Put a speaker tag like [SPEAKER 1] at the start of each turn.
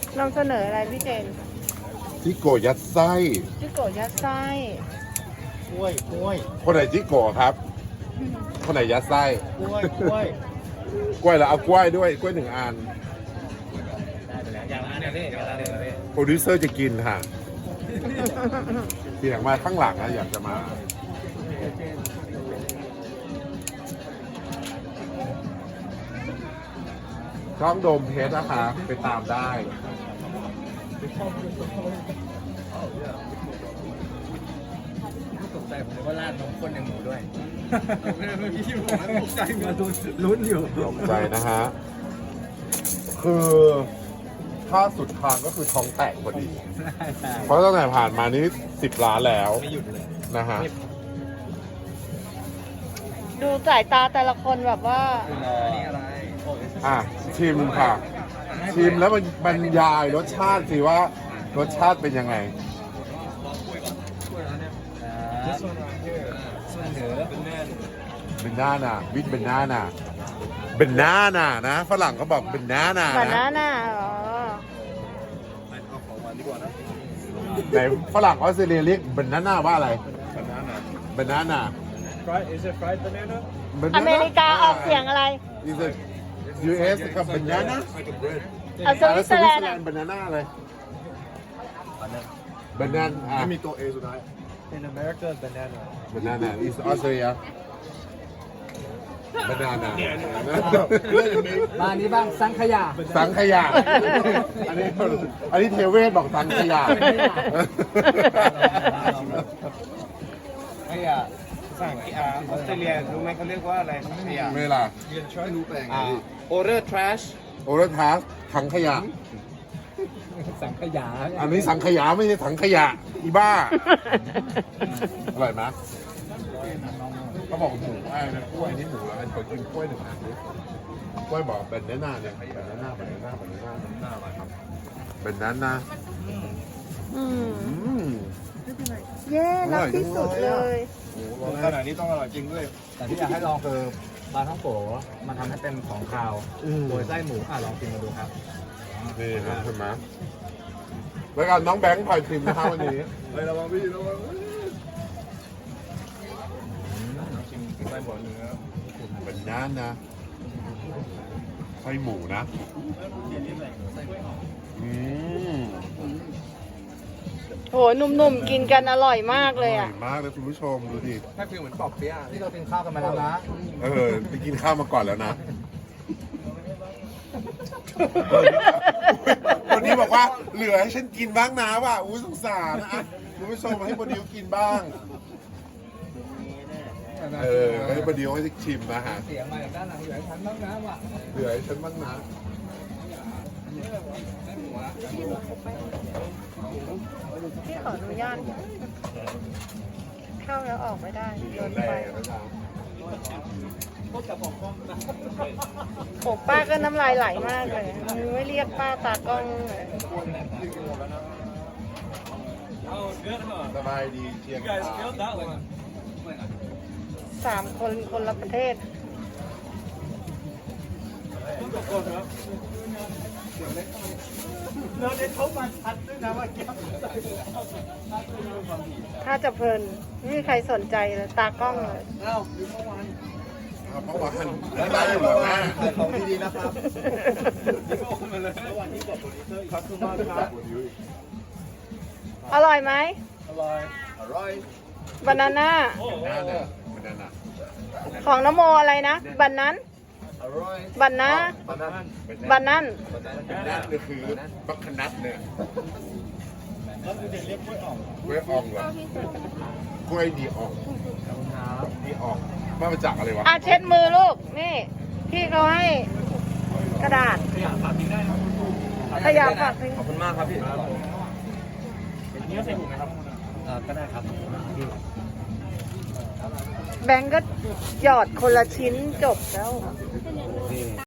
[SPEAKER 1] นำเสนออะไรพี่เจน
[SPEAKER 2] จิโกะยัดไส้
[SPEAKER 1] จิโกะยัดไส้
[SPEAKER 3] กล้วยกล้วย
[SPEAKER 2] คนไหนจิโกะครับ คนไหนยัดไส้
[SPEAKER 3] กล้วยกล้วย
[SPEAKER 2] กล้วยแล้วเอากล้วยด้วยกล้วย1 อัน
[SPEAKER 3] ได้ไปแล้วอย่างละอันนี้อย่างละอันนี้
[SPEAKER 2] โปรดิวเซอร์จะกินค่ะเสียงมาข้างหลังนะอยากจะมาช่องโดมเพชรนะคะไปตามได้
[SPEAKER 3] ตกใจผมเลยว่าราดนมข้นในหมูด้วยเมื่อกี้ที่ผมตกใจมาลุ้นอยู่
[SPEAKER 2] ตกใจนะฮะ คือถ้าสุดทางก็คือท้องแตกพอดี เพราะตั้งแต่ผ่านมานี้10 ล้านแล้ว
[SPEAKER 3] ไม่หยุดเลย
[SPEAKER 2] นะฮะ
[SPEAKER 1] ดูสายตาแต่ละคนแบบว่า
[SPEAKER 3] อันนี้อะไร
[SPEAKER 2] อ่ะ ชิมค่ะ ชิมแล้วมันบรรยายรสชาติสิว่ารสชาติเป็นยังไง
[SPEAKER 3] ส่วนเหนือเป็นแน่
[SPEAKER 2] เบนนาน่ะวิดเบนนาน่ะเบนนาน่ะนะฝรั่งเขาบอกเบนนาน่ะ
[SPEAKER 1] บานา
[SPEAKER 2] นะ
[SPEAKER 1] น่าอ๋อ
[SPEAKER 3] เอาของหวานดีกว่านะ
[SPEAKER 2] ไหนฝรั่งออสเตรเลียเรียกเบนนาน่าว่าอะไร
[SPEAKER 3] banana
[SPEAKER 2] เบนนาน่ะ
[SPEAKER 3] fried is it fried banana
[SPEAKER 1] อเมริกาออกเสียงอะไร
[SPEAKER 2] is it US กับเบนนาน่า
[SPEAKER 3] like a bread
[SPEAKER 1] เอาสวิตเซอร์แลนด์อะ
[SPEAKER 2] เบนนาน่าเลยเบนนาน่า
[SPEAKER 3] ไม่มีตัว A สุดท้าย in America banana
[SPEAKER 2] เบนนาน่า is Australia เบนนาน่า
[SPEAKER 4] บ้านนี้บ้างสังขยา
[SPEAKER 2] สังขยาอันนี้เทเวศบอกสังขยา
[SPEAKER 3] ขยะภาษาอังกฤษออสเตรเลียรู้ไหมเขาเรียกว่าอะไรขยะ
[SPEAKER 2] เวลา
[SPEAKER 3] order trash
[SPEAKER 2] โอเรทาสถังขยะ
[SPEAKER 4] สังขยา
[SPEAKER 2] อันนี้สังขยาไม่ใช่ถังขยะอีบ้า อร่อยไหมเขาบอกหมูไอ้นะกล้วยนี่หมูแล้วมันขอกินกล้วย1 อันดิกล้วยบอกเป็นหน้าเนี่ยเป็นหน้า
[SPEAKER 1] อืม
[SPEAKER 2] อืม
[SPEAKER 1] เย้รักที่สุดเลย
[SPEAKER 3] ขนาดนี้ต้องอร่อยจริงด้วย
[SPEAKER 4] แต่ที่อยากให้ลองคือปลาท่องโกมันทำให้เป็นของคาว โดยไส้หมูลองกินมาดูครับ
[SPEAKER 2] นี่ครับใช่ไหมแล้วกันน้องแบงค์พลอยชิมนะครับวันนี้
[SPEAKER 3] เฮ้ยระวังพี่ระวังชิมไส้หมูเนื้อ
[SPEAKER 2] เป็นน้านะไส้หมูนะอืม
[SPEAKER 1] โหหนุ่มๆกินกันอร่อยมากเลย
[SPEAKER 2] อร่
[SPEAKER 1] อ่ะ
[SPEAKER 2] อยมากเลยคุณผู้ชมดูดิ
[SPEAKER 3] ถ้าฟิลเหมือนปอกเปี๊ยะ
[SPEAKER 4] ที่เรากินข้าวกันมาแล้วนะ
[SPEAKER 2] ไปกินข้าวมาก่อนแล้วนะ วันนี้บอกว่าเหลือให้ฉันกินบ้างนะว่ะอุ้ยสงสารนะอ่ะคุณผู้ชมให้โปรดิวกินบ้าง ให้โปรดิวให้ชิมนะฮะ
[SPEAKER 4] เสียงมาจากด้านหลังอยู่ให้ฉันบ้างนะว่ะ
[SPEAKER 2] เหลือให้ฉันบ้างนะ
[SPEAKER 1] พี่ขออนุญาตเข้าแล้วออกไม่ได้โดน
[SPEAKER 2] แร
[SPEAKER 1] ไฟ
[SPEAKER 2] งนะจ๊ะ
[SPEAKER 1] โอ้ป้าก็น้ำลายไหลมากเลยไม่เรียกป้าตากล้องเลย
[SPEAKER 2] สบายดีเชียงราย
[SPEAKER 1] 3 คนคนละประเทศ ถ้าจะเพลินไม่มีใครสนใจเลยตากล้องเลย
[SPEAKER 2] เพราะว่าได้อยู่แล้วนะ
[SPEAKER 3] ของดีๆนะครับ
[SPEAKER 1] อร่อยไหม
[SPEAKER 3] อร่อยอร่อย
[SPEAKER 1] บานาน่า
[SPEAKER 2] หน้าเนี่ยมันนั่นน่ะ
[SPEAKER 1] ของน้ำโมอะไรนะบันนั้น
[SPEAKER 3] อร่อย
[SPEAKER 1] บันนะ
[SPEAKER 3] บานาน่า
[SPEAKER 1] บันนั้น
[SPEAKER 2] นั่นคือบัคคนัทเนี่ย
[SPEAKER 3] แล้วเด็กเรียกกล้วยอ่อง
[SPEAKER 2] กล้วยอ่องเหรอกล้วยดีอ่องดีอ่องมาจากอะไรวะ
[SPEAKER 1] อ่ะเช็ดมือลูก นี่ พี่เขาให้กระดาษ
[SPEAKER 3] ฝากทิ้งได้ครับ
[SPEAKER 1] ขยะฝากทิ้ง
[SPEAKER 3] ขอบคุณมากครับพี่นี่ก็ใส่ถุงไหมครับก็ได้ครับ
[SPEAKER 1] แบงก์ก็หยอดคนละชิ้นจบแล้ว